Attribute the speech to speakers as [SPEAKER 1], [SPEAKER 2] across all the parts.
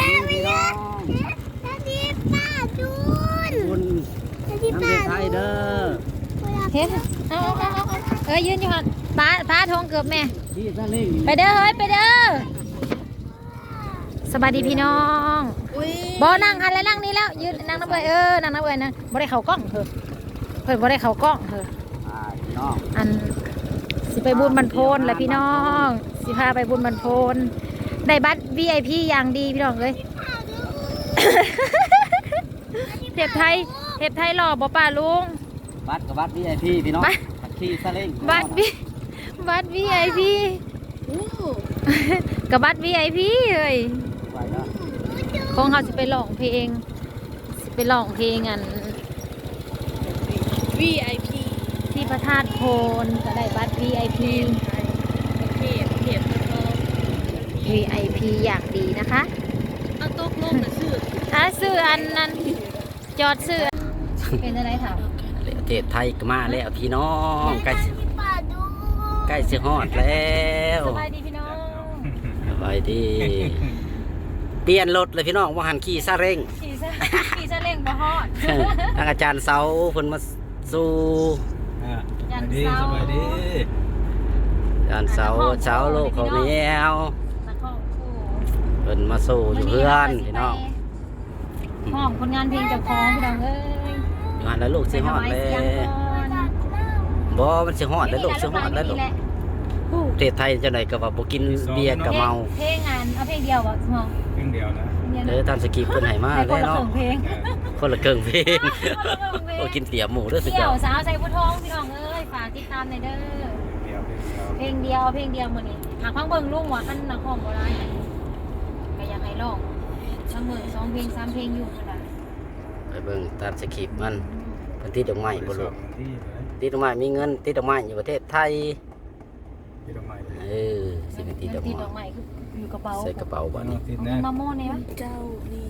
[SPEAKER 1] พี่น้อง
[SPEAKER 2] ที่ป้าจูน
[SPEAKER 1] คุณน้ำเด็กไทยเด้อ
[SPEAKER 3] เฮ็ดเอายืนอยู่หั่นป้าทงเกือบแม่
[SPEAKER 1] ที่ซาเล้ง
[SPEAKER 3] ไปเด้อเฮ้ยไปเด้อสบายดีพี่น้องบ่นั่งหันแล้วนั่งนี่แล้วยืนนั่งน้ำเบยนั่งน้ำเบยนะบ่ได้เข้ากล้องเถอะเพิ่นบ่ได้เข้ากล้องเถอะ
[SPEAKER 1] พี่น้อง
[SPEAKER 3] อันสิไปบุญบรรพนแหละพี่น้องสิพาไปบุญบรรพนได้บัตร VIP อย่างดีพี่น้องเอ้ย เทพไทยหล่อบ่ป้าลุง
[SPEAKER 1] บัตรกับบัตร VIP พี่น้องที่ซาเล้ง
[SPEAKER 3] บัตร VIP กับบัตร VIP เลย
[SPEAKER 1] ไปเนาะ
[SPEAKER 3] ของเขาสิไปร้องเพลงอัน
[SPEAKER 2] VIP
[SPEAKER 3] ที่พระธาตุโพนก็ได้บัตร VIP VIP อย่างดีนะคะ
[SPEAKER 2] เอาตกลงนะชื่อ
[SPEAKER 3] ซื้ออันนั้นจอดซื้อเป็นอะไรถาม
[SPEAKER 1] ประเทศไทยก็มาแล้วพี่น้องใกล้
[SPEAKER 2] ป้าจูน
[SPEAKER 1] ใกล้สิฮอดแล้ว
[SPEAKER 3] สบายดีพี่น้อง
[SPEAKER 1] สบายดีเปลี่ยนรถเลยพี่น้องว่าหันขี่ซาเล้ง
[SPEAKER 3] ขี่ซาเล้งบ่ฮอด
[SPEAKER 1] ทางอาจารย์เสาเพิ่นมาสู่
[SPEAKER 3] ยันเสา
[SPEAKER 4] สบายดี
[SPEAKER 1] อาจารย์เสาลูกเขาแมว
[SPEAKER 3] นักห้องคู่
[SPEAKER 1] เพิ่นมาสู่อยู่เพื่อนพี่น้อง
[SPEAKER 3] ห้องคนงานเพลงเจ้าของพี่น้องเอ้ย
[SPEAKER 1] อยู่หันแล้วลูกสิฮอดแล้
[SPEAKER 3] เสียง
[SPEAKER 1] ว
[SPEAKER 3] ก่อน
[SPEAKER 1] บ่มันสิฮอดแล้วลูกสิฮอดแล้วลูกประเทศไทยจังไดก็ว่าบ่กินเบียร์ก็เมา
[SPEAKER 3] เพลงงานเอาเพลงเดียวบ่สมอง
[SPEAKER 4] เพิ่งเดียวนะ
[SPEAKER 1] ตามสกีเพิ่นให้มา
[SPEAKER 3] ให้ค
[SPEAKER 1] แล้
[SPEAKER 3] น
[SPEAKER 1] ว
[SPEAKER 3] ละ
[SPEAKER 1] เนาะ
[SPEAKER 3] ครึ่งเพลง
[SPEAKER 1] คนละครึ่งเพลงโอ้กินเตี๋ยหมูเด้อสุด
[SPEAKER 3] เที่
[SPEAKER 1] ย
[SPEAKER 3] ย
[SPEAKER 1] อ
[SPEAKER 3] ว
[SPEAKER 1] ด
[SPEAKER 3] สาวใส่ผู้ท้องพี่น้องเอ้ยฝากติดตามหน่อยเด้อ เพลงเดียวมื้อนี้หากฟังเบิ่งลุงว่าอันนักร้องบ่หลายก็อยากให้ร้องเสมอ2เพลง3เพลงอยู่พุ่นล่ะ
[SPEAKER 1] ไปเบิ่งตามสกีมันเพิ่นติดดอกไม้บ่ลูก
[SPEAKER 4] ที่
[SPEAKER 1] ติดดอกไม้มีเงินติดดอกไม้อยู่ประเทศไทย
[SPEAKER 4] ที่ดอกไม้
[SPEAKER 1] สิเป็นติดดอก
[SPEAKER 3] ติดดอก
[SPEAKER 1] ไม้
[SPEAKER 3] ไม้คืออยู่กระเป๋า
[SPEAKER 1] ใส่กระเป๋าบัดนี้
[SPEAKER 4] ติด
[SPEAKER 3] เอา
[SPEAKER 4] แน่
[SPEAKER 3] เงินมาโม่เนี่ยวะ
[SPEAKER 2] เจ้านี่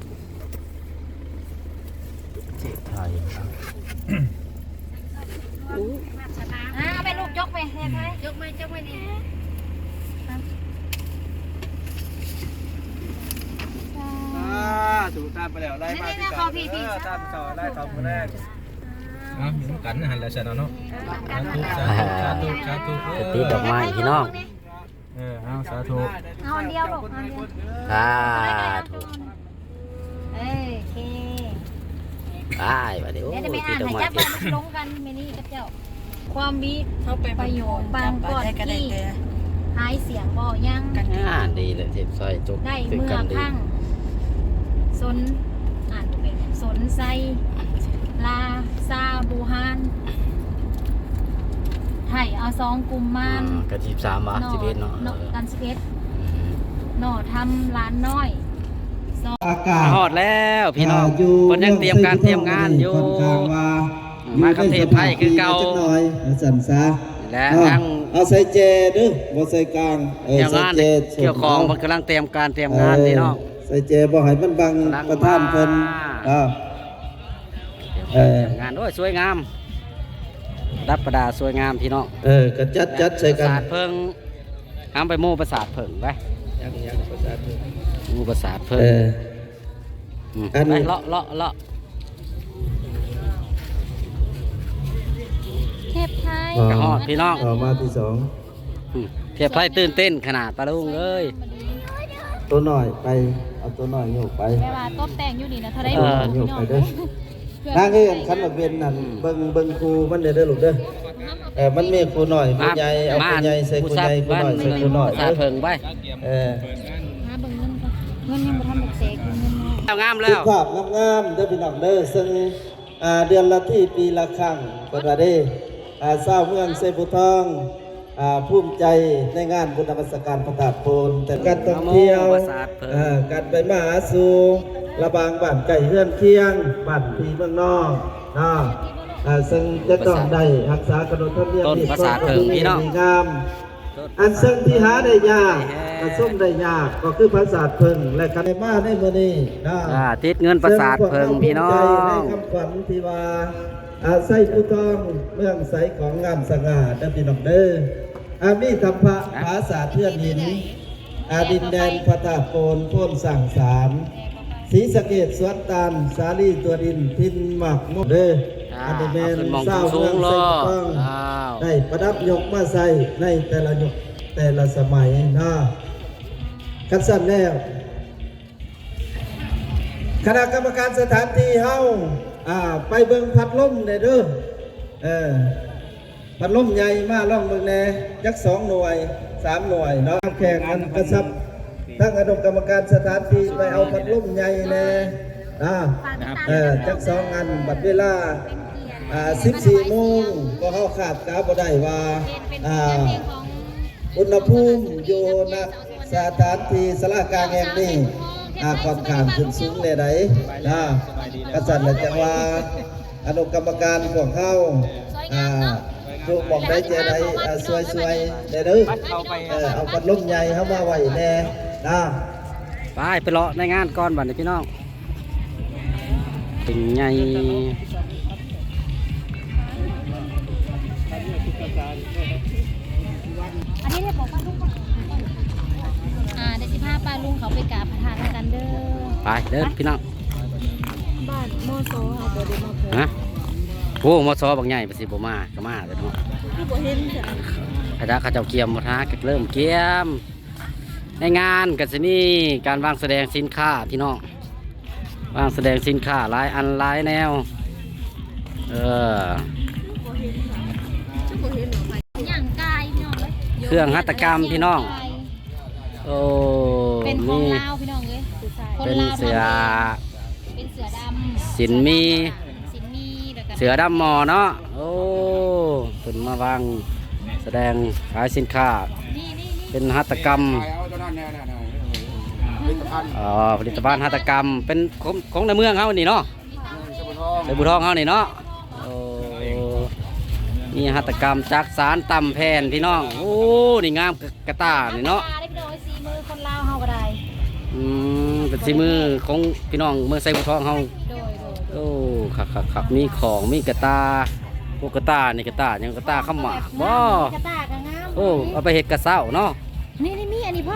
[SPEAKER 1] ประเทศไทย
[SPEAKER 3] เอาไปลูกยกไปเฮ็ดให้ยกไม่นี่
[SPEAKER 4] ถูกตามไปแล้วไล่มาที่ตามต่อไล่ต่อคนแรกมีกันหันแล้วฉันเนาะสาธุ
[SPEAKER 1] ติดดอกไม้พี่น้อง
[SPEAKER 4] เอาสาธุ
[SPEAKER 3] เอาอันเดียวลูกอันเดียว
[SPEAKER 1] สาธุ
[SPEAKER 3] โอเค
[SPEAKER 1] ไปบัดนี้โอ้
[SPEAKER 3] เดี๋ยวจะไป
[SPEAKER 1] ติ
[SPEAKER 3] อ่า
[SPEAKER 1] ด
[SPEAKER 3] น
[SPEAKER 1] ดอก
[SPEAKER 3] ให้
[SPEAKER 1] ไม้
[SPEAKER 3] จับมันลงกันเมนี่กับเจ้า ความวิประโยชน์บางก่อนที่หายเสียงบ่ยัง
[SPEAKER 1] ดีเลยเทปซอยจบ
[SPEAKER 3] ได้
[SPEAKER 1] ถึง
[SPEAKER 3] เมื่อ
[SPEAKER 1] กันดี
[SPEAKER 3] พังสนอ่านเป็นสนไซลาซาบูฮานไทยเอา2 กลุ่มมัน
[SPEAKER 1] กระจีบ3บาท11เนาะ
[SPEAKER 3] กัน11หน่อทำร้านน้อย
[SPEAKER 5] อากาศ
[SPEAKER 1] ฮอดแล้วพี่น้อง
[SPEAKER 5] อยู่
[SPEAKER 1] เพิ่นยังเตรียมการเตรียมงานอยู่
[SPEAKER 5] ค่อนข้างว่า
[SPEAKER 1] มากับเทพไทยคือเก่า
[SPEAKER 5] จักหน่อยสั่นซะ
[SPEAKER 1] และทั้ง
[SPEAKER 5] เอาใส่เจดึบ่ใส่กลาง
[SPEAKER 1] เกี่ยว
[SPEAKER 5] ใส่
[SPEAKER 1] งาน
[SPEAKER 5] เจ
[SPEAKER 1] เกี่ยวของมันกำลังเตรียมการเตรียมงานนี่เนาะ
[SPEAKER 5] ใส่เจบ่ให้มันบัง
[SPEAKER 1] กำลัง
[SPEAKER 5] ประธานเพิ่น
[SPEAKER 1] มา
[SPEAKER 5] เออ
[SPEAKER 1] งานโอ้ยสวยงามรับประดาสวยงามพี่น้อง
[SPEAKER 5] ก็จัดใส่
[SPEAKER 1] ป
[SPEAKER 5] กั
[SPEAKER 1] ระ
[SPEAKER 5] น
[SPEAKER 1] สาทเพิ่งห้ามไปหมู่ประสาทเพิ่งไป
[SPEAKER 4] ยังประสาท
[SPEAKER 1] หมู่ประสาทเพิ่ง
[SPEAKER 5] อัน
[SPEAKER 1] ไปเลาะ
[SPEAKER 3] เทพไทย
[SPEAKER 1] กระหอดพี่น้อง
[SPEAKER 5] ต่อมาที่สอง
[SPEAKER 1] เทียบไพ่ตื่นเต้นขนาดปลาลุงเอ้ย
[SPEAKER 5] ตัวหน่อยไปเอาตัวหน่อยโยกไป
[SPEAKER 3] เวลาต้มแต่งอยู่นี่นะเท่าไร
[SPEAKER 5] โยกไปเด้อนั่งให้กันคันว่าเป็นนั่นเบิ่งครูมันเด้อลูกเด้อมันมีครูหน่อยครูใหญ่เอาครูใหญ่ใส่ครูใหญ่ครูหน่อยใส่ครูหน่อย
[SPEAKER 1] ประสาทเพิ่งไป
[SPEAKER 3] หาเบิ่งเงินก่อนเงินยังบ่ทันได้เสกเงินมา
[SPEAKER 1] แล้วงาม
[SPEAKER 5] สุ
[SPEAKER 1] แล้ว
[SPEAKER 5] ภาพงามๆเด้อพี่น้องเด้อซึ่งเดือนละที่ปีละครั้งเปิดว่าเด้ชาวเมืองเซบุทองภูมิใจในงานบุญนมัสการพระธาตุโพนแต่การท่องเที่ยวการไปมาหาสู่ระบางบ้านไก่เฮือนเคียงบ้านพี่เมืองนอกซึ่งจะต้องได้รักษากนบธรรมเนียมที่งามอันซึ่งที่หาได้ยากส้มได้ยากก็คือภาษาเพิ่งและกันได้มาในมื้อนี้
[SPEAKER 1] ติดเงินประสาทเพิ่งพี่น้อ
[SPEAKER 5] ใน
[SPEAKER 1] ง
[SPEAKER 5] คำขวัญที่ว่าใส่ผู้ทองเมืองใสของงามสง่าเด้อพี่น้องเด้อมีธรรมะภาษาเทือนหินดินแดนพระธาตุโพนโพ้นสั่งสารศรีสะเกษสวนตาลสาลีตัวดินพินหมักมุกเด้ออันนี้แม่น
[SPEAKER 1] ขึ้นมอง
[SPEAKER 5] เศร้า
[SPEAKER 1] สู
[SPEAKER 5] เมือง ง
[SPEAKER 1] ๆ
[SPEAKER 5] ใส่
[SPEAKER 1] ล้อ
[SPEAKER 5] ต้อง
[SPEAKER 1] อ้าว
[SPEAKER 5] ได้ประดับยกมาใส่ในแต่ละยกแต่ละสมัยนะคัดสั้นแล้วคณะกรรมการสถานที่เฮาไปเบิ่งพัดลมได้เด้อพัดลมใหญ่มาล่องเบิ่งแน่จัก2 หน่วย3 หน่วยเนาะแข่งกันกระชับทั้งอนุกรรมการสถานที่ไปเอาพัดลมใหญ่แน่จัก2 อันบัดเวลา14 โมงก็เฮาขาดกาบ่ได้ว่าอุณหภูมิอยู่ณสถานที่ศาลากลางแห่งนี้ค่อนข้างขึ้นสูงแน่ใดกษัตริย์จังว่าอนุกรรมการพวกเฮาทุกบอกได้เจใดสวยๆได้เด้อเอาพัดลมใหญ่เฮามาไว้แน่
[SPEAKER 1] ไปเลาะในงานก่อนบัดนี้พี่น้องเป็นไง
[SPEAKER 3] อันนี้ได้บอกว่าลุงได้15ป้าลุงเขาไปกราบพระธาตุกันเด้อ
[SPEAKER 1] ไปเด้อพี่น้อง
[SPEAKER 2] บ้านโมโซค่ะบ่ได้มาเพิ่น
[SPEAKER 1] ฮะโอ้มอซอบางใหญ่ไปสิบ่มาก็มาเลยเนาะ
[SPEAKER 2] คือบ่เห็นจ้ะ
[SPEAKER 1] ข้าเจ้าเกียมมาท้าเริ่มเกียมในงานก็จะมีการวางแสดงสินค้าพี่น้องวางแสดงสินค้าหลายอันหลายแนว
[SPEAKER 3] อย่างกายพี่น้องเลย
[SPEAKER 1] เครื่องหัตถกรรมพี่น้องโอ้
[SPEAKER 3] เป็นของลาวพี่น้องเลย
[SPEAKER 1] เป็นเสือ
[SPEAKER 3] เป็นเสือดำ
[SPEAKER 1] สินมี
[SPEAKER 3] สินมีแล้วก็
[SPEAKER 1] เสือดำหมอเนาะโอ้เป็นมาวางแสดงขายสินค้า
[SPEAKER 3] นี่
[SPEAKER 1] เป็นหัตถกรรมผลิตภัณฑ์หัตถกรรมเป็นของในเมืองเขานี่เนาะในบุทองเขานี่เนาะโอ้นี่หัตถกรรมจากสารตำแผ่นพี่น้องโอ้นี่งามกระตานี่เนาะ
[SPEAKER 3] ได้พี่น้องสีมือคนลาวเฮาก็ได้
[SPEAKER 1] เป็นสีมือของพี่น้องเมืองไซบุทองเขา
[SPEAKER 3] โดย
[SPEAKER 1] โอ้ขับมีของมีกระตาพวกกระตานี่กระตายังกระตาข้ามหมากบ่
[SPEAKER 3] กระตากระงาม
[SPEAKER 1] โอ้เอาไปเห็ดกระเซ้าเนาะ
[SPEAKER 3] นี่มีอันนี้พ่อ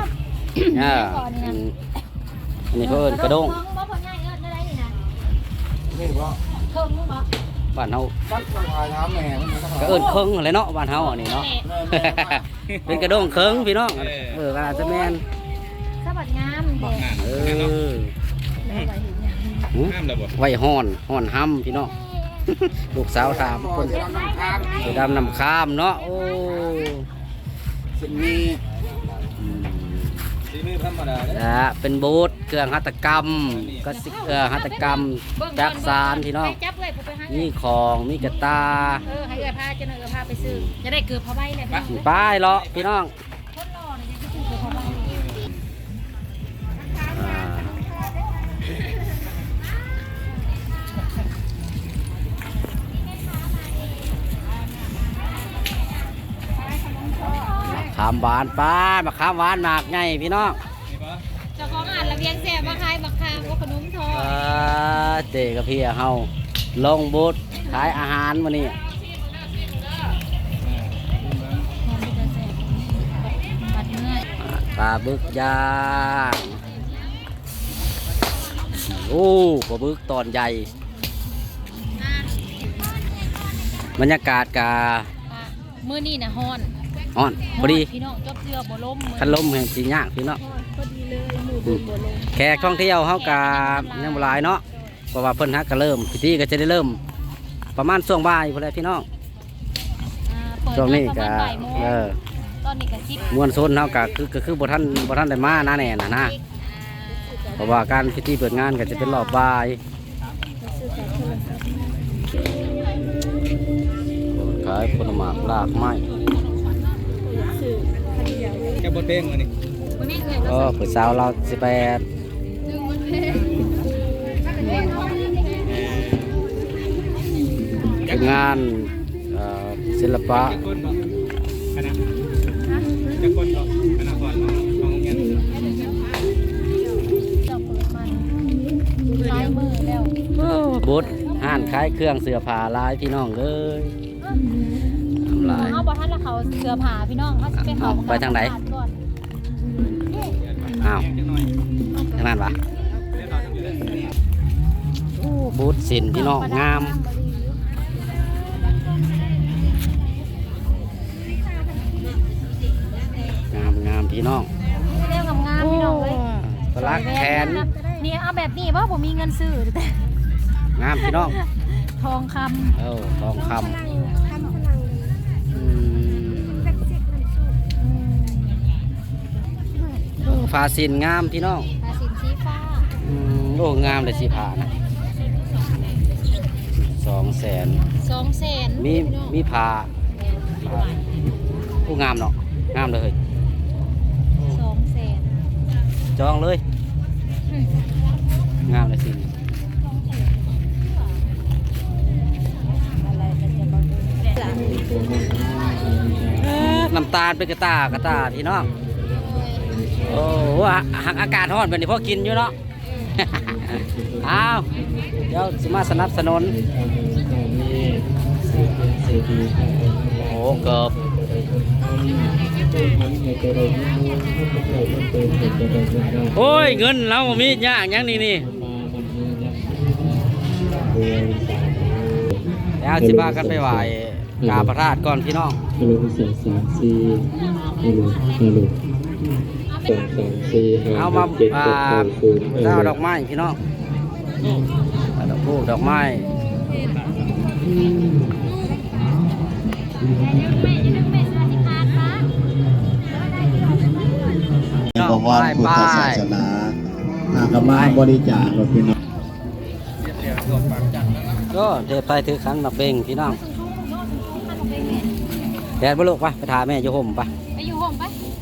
[SPEAKER 1] อันนี้เขาเอิ้นกระด้ง
[SPEAKER 3] บ่พ่อง่ายเอิ้นได้นี่นะ
[SPEAKER 4] นี่บ่
[SPEAKER 3] เพิ่มบ่
[SPEAKER 1] บ้านเฮา
[SPEAKER 4] ตั้งคำถามแม่มันมีคำถาม
[SPEAKER 1] ก็เอิ้นเคิงอะไรเนาะบ้านเฮาอันนี้เนาะ เป็นกระด้งเคิงพี่น้องอาจจะแม่น
[SPEAKER 3] สวัสดงามเด็ก
[SPEAKER 4] ห้ามระบบ
[SPEAKER 1] ไว้ฮ้อนห้ำพี่น้องลูกสาวถามคน สีดำนำข้ามเนาะโอ้
[SPEAKER 4] สิมีสีมือธรรมดาเด้อ
[SPEAKER 1] เป็นบูธเครื่องหัตถกรรมก็หัตถกรรมจากสารพี่น้อง
[SPEAKER 3] จับเลยผมไปให้
[SPEAKER 1] มีของมีกระตา
[SPEAKER 3] ให้เอื้อพาจะเอื้อพาไปซื้อจะได้เกือบพอใบเลยพี่
[SPEAKER 1] ป้ายเลาะพี่น้อง
[SPEAKER 3] คนรอเนี่ยจะซื้อเกือบพอใบ
[SPEAKER 1] ขามหวานป้ามาขามหวานหมากไงพี่น้อง
[SPEAKER 3] เจ้าของอ่านระเบียงแสบมาขายบักคามก็ขนมทอด
[SPEAKER 1] เจกับพี่เฮาลงบูธขายอาหารมานี่ปลาบึกย่างโอ้ปลาบึกตอนใหญ่บรรยากาศกา
[SPEAKER 3] มื้อนี้น่ะฮ้อน
[SPEAKER 1] อ่อนพอดี
[SPEAKER 3] พี่น้องจบเสื้อบ่ล้ม
[SPEAKER 1] คันลมแห่งสียากพี่น้อง
[SPEAKER 2] พอดีเลยหมู่บุญบ่ลง
[SPEAKER 1] แขกท่องเที่ยวเฮากายังบ่หลายเนาะเพราะว่าเพิ่นฮักก็เริ่มพิธีก็จะได้เริ่ม ประมาณช่วงบ่ายพุ่นแหละพี่น้องช่วงนี้ก็
[SPEAKER 3] ตอนนี้ก็10
[SPEAKER 1] มวลชนเฮาก็คือบ่ทันได้มานะแน่น่ะนะเพราะว่าการพิธีเปิดงานก็จะเป็นรอบบ่ายขายผลไม้รากไม้
[SPEAKER 4] แค่บทเพลงมานี่
[SPEAKER 3] มื้อนี้เอ้ย
[SPEAKER 1] ก็ผู้สาวเรา18เป็นงานศิลปะ
[SPEAKER 4] จะคนบ่คณะจะคนบ่คณะก่อนของโรงเรียน
[SPEAKER 3] เจ้าเปิดมันลายมือแล้ว
[SPEAKER 1] บุตรห้านขายเครื่องเสื้อผ้าหลายพี่น้องเอ้ยทำลาย
[SPEAKER 3] เฮาบ่ทันละเขาเสื้อผ้าพี่น้องเฮาสิไปเขา
[SPEAKER 1] ไปทางไหน
[SPEAKER 3] ก่อน
[SPEAKER 1] อ้าวขนาดวะโอ้บูธสินพี่น้องงามงามพี่น้อง
[SPEAKER 3] เรียกงามๆพี่น้องเลย
[SPEAKER 1] ปลักแขน
[SPEAKER 3] นี่เอาแบบนี้เพราะผมมีเงินซื้อแต่
[SPEAKER 1] งามพี่น้อง
[SPEAKER 3] ทองค
[SPEAKER 1] ทองคำฟ้าสินงามพี่น้อง
[SPEAKER 3] ำผ้าสินสีฟ้า
[SPEAKER 1] โอ้งามเลยสีผ้านะ200,000
[SPEAKER 3] 200,000
[SPEAKER 1] มีผ้าผู้งามเนาะงามเลย
[SPEAKER 3] 200,000
[SPEAKER 1] จองเลยงามเลยสิน้ำตาลเป็นกระตาพี่น้องโอ้หักอากาศร้อนเป็นที่พ่อกินอยู่เนาะ อ้าวเดี๋ยวสิมาสนับสนุนโอ้เกือบโอ้ยเงินเรามียากยังนี่แล้วสิพากันไปไหว้กราบพระธาตุก่อนพี่น้อง
[SPEAKER 5] ฮัลโหล2 3 4ฮัลโหล2 3 4
[SPEAKER 1] เอามาเจ้าดอกไม้พี่น้องดอกพูดดอกไม้ดอกไม้พุทธศาสนา
[SPEAKER 5] ก็มาบริจาคกับพี่น้อง
[SPEAKER 1] ก็เทพไทยถือขันมาเบ่งพี่น้องแดดบ่ลูกไปถ่ายแม่อยู่ห่มไป
[SPEAKER 3] ไปอยู่ห้องไป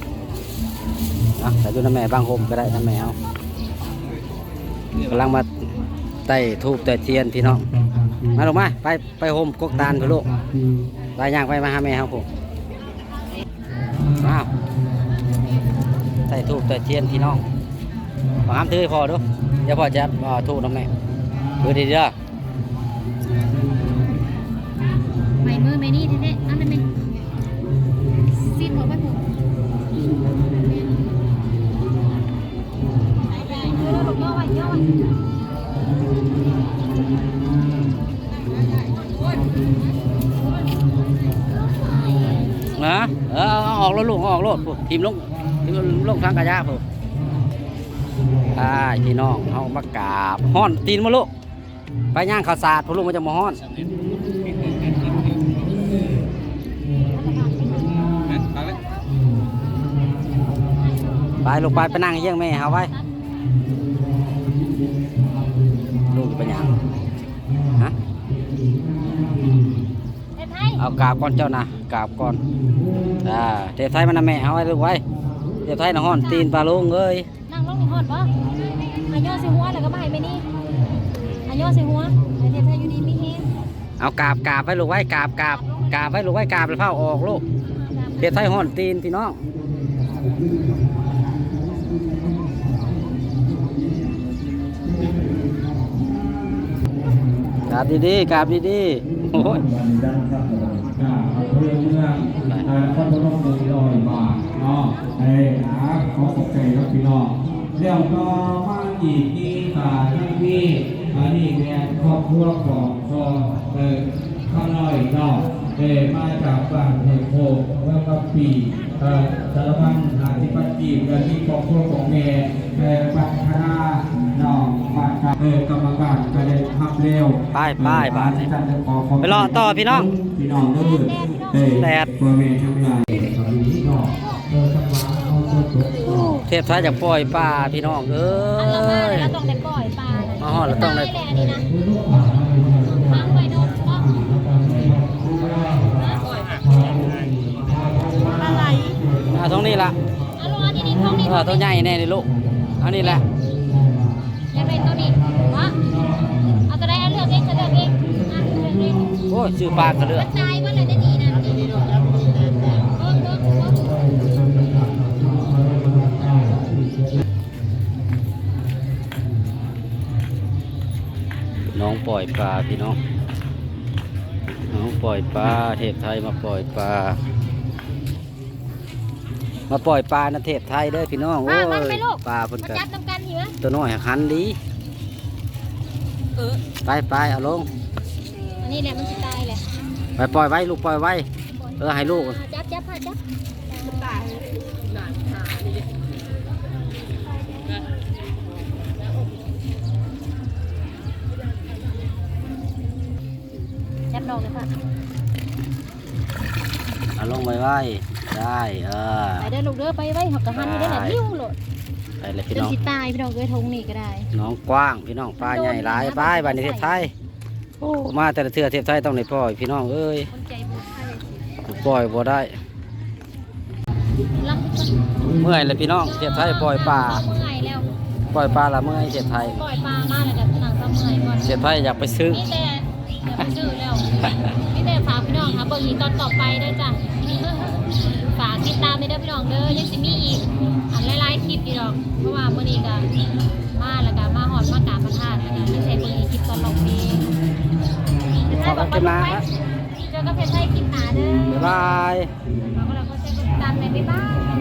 [SPEAKER 1] แต่อยู่น้าแม่บางห่มก็ได้น้าแม่เอากำลังมาไต่ทูบไต่เทียนพี่น้องมาลงมาไปห่มกกตาลพี่ลูกไปย่างไปมาหาแม่ครับผมว้าวไต่ทูบไต่เทียนพี่น้องมาห้ามถือให้พอดูเดี๋ยวพอจะทูบน้ำแม่ดูดีเด้อ
[SPEAKER 3] ไม่มือไม่นี่แท้ๆนั่นเป็นซีดหัวไปผมย่อย
[SPEAKER 1] นะเอาออกแล้วลูกเอาออกรถปุ๊บทีมลงทางกระยาปุ๊บพี่น้องเขามากราบฮ้อนตีนมาลูกไปย่างข้าวสารพวกลูกมันจะมาฮ้อนไปลูกไปนั่งเยี่ยงแม่เขาไว้ลูกจะไปย่างฮะ
[SPEAKER 3] เฮ็ดให้
[SPEAKER 1] เอากราบก่อนเจ้านะกราบก่อนเทพไทยมันนะแม่เอาไว้ลูกไว้เทพไทยนะฮ้อนตีนปลาลุงเอ้ย
[SPEAKER 3] นั่งลงในฮอดบ่อันย่อใส่หัวแล้วก็มาให้แม่นี่อันย่อใส่หัวไอ้เทพไทยอยู่ดีมีเฮง
[SPEAKER 1] เอากราบไว้ลูกไว้กราบไว้ลูกไว้กราบแล้วเผาออกลูกเทพไทยฮ้อนตีนพี่น้องกราบดีๆกราบดีๆโอ้ย
[SPEAKER 6] เพื่อนเมืองพระบรมเมืองลอยบาทเนาะขอขอบใจครับพี่น้องเดี๋ยวก็มาอีกนี่ทั้งที่นี่แม่ครอบครัวของข้างน้อยเนาะมาจากบ้านเฮโคเมื่อปีสารพันธิปัจจีบและที่ครอบครัวของแม่บัตรคณะน้องบัตรกรรมการก็ได้ทับเร็ว
[SPEAKER 1] บาทไปรอต่อพี่น้อง
[SPEAKER 6] พี่น้องเด้อแดดตัวเมย์ทั้งหลายพี่น้อง
[SPEAKER 1] เทพไทยจากปล่อยปลาพี่น้องเอ้
[SPEAKER 3] อันละมา
[SPEAKER 1] ย
[SPEAKER 3] แล้วต้องได้ปล่อยปลา
[SPEAKER 1] อ๋อเราต้องได้
[SPEAKER 3] อันนี้นะค้างไว้นกก็อะไร
[SPEAKER 1] ตรงนี้ละ
[SPEAKER 3] เอาลงอันนี้ท้องนี้
[SPEAKER 1] ตัวใหญ่แน่เลยลูกอันนี้แหละ
[SPEAKER 3] อยากได้ตัวนี้วะเอาตัวใดเอาเลือกเองก็เลือกเองอ่ะเลือกเอง
[SPEAKER 1] โอ้ยชื่อปลากระเลือก
[SPEAKER 3] มันตายเมื่อไหร่ได้ดีนะ
[SPEAKER 1] น้องปล่อยปลาพี่น้องน้องปล่อยปลาเทพไทยมาปล่อยปลามาปล่อยปลาในเทศไทยเด้อพี่น้องโอ้
[SPEAKER 3] มัน
[SPEAKER 1] ย
[SPEAKER 3] ไปลูก
[SPEAKER 1] ปลาเพิ่น
[SPEAKER 3] มา
[SPEAKER 1] กัน
[SPEAKER 3] จับน้ำกันหิว
[SPEAKER 1] ตัวน้อยหันดีไปเอาลง
[SPEAKER 3] อันนี้แหละมันจะตายแหละ
[SPEAKER 1] ไปปล่อยไว้ลูกปล่อยไว้ให้ลูก
[SPEAKER 3] จับจับ จับดอกเลยค่ะ
[SPEAKER 1] เอาลงไว้ได้
[SPEAKER 3] ไปเด้อลูกเด้อไปไว้หักกระหันนี่ได้แหละนิ้วโหลด
[SPEAKER 1] ไปเลยพี่
[SPEAKER 3] จน
[SPEAKER 1] น้อง
[SPEAKER 3] สิตายพี่น้องเอ้ยทงนี่ก็ได้
[SPEAKER 1] น้องกว้างพี่น้องปลาใหญ่หลายปลาบ้านในเทศไทยโอ้มาแต่ละเทื่อเทศไทยต้องได้ปล่อยพี่น้องเอ้ย
[SPEAKER 3] คนใจบุญให้
[SPEAKER 1] ปล่อยบ่ได้
[SPEAKER 3] รัก
[SPEAKER 1] เมื่อยเลยพี่น้องเทศไทยปล่อยปลา
[SPEAKER 3] เมื่อยแล้ว
[SPEAKER 1] ปล่อยปลาละเมื่อยเทศไทย
[SPEAKER 3] ปล่อยปลามาแล้วกับหนังก็เมื่อยก่อน
[SPEAKER 1] เทศไทยอยากไปซื้อ
[SPEAKER 3] นี่แต่เดี๋ยวไปซื้อแล้วนี่แต่ฝากพี่น้องค่ะเบิ่งอีกตอนต่อไปเด้อจ้ะฝากติดตามในเด้อพี่น้องเด้อยังสิมีอีกอันหลายๆคลิปอยู่ดอกเพราะว่ามื้อนี้ก็มาแล้วก็มาหอดมากราบพระธาตุแล้วก็ไม่ใช่เบิ่งอีกคลิปตอนลงเพลง
[SPEAKER 1] ขอบคุณนะ
[SPEAKER 3] เจอกับเพชรไทยคลิปหนาเด้อ
[SPEAKER 1] บ๊ายบาย
[SPEAKER 3] ฝากก็แล้วก็เจอกันตามในบ๊ายบาย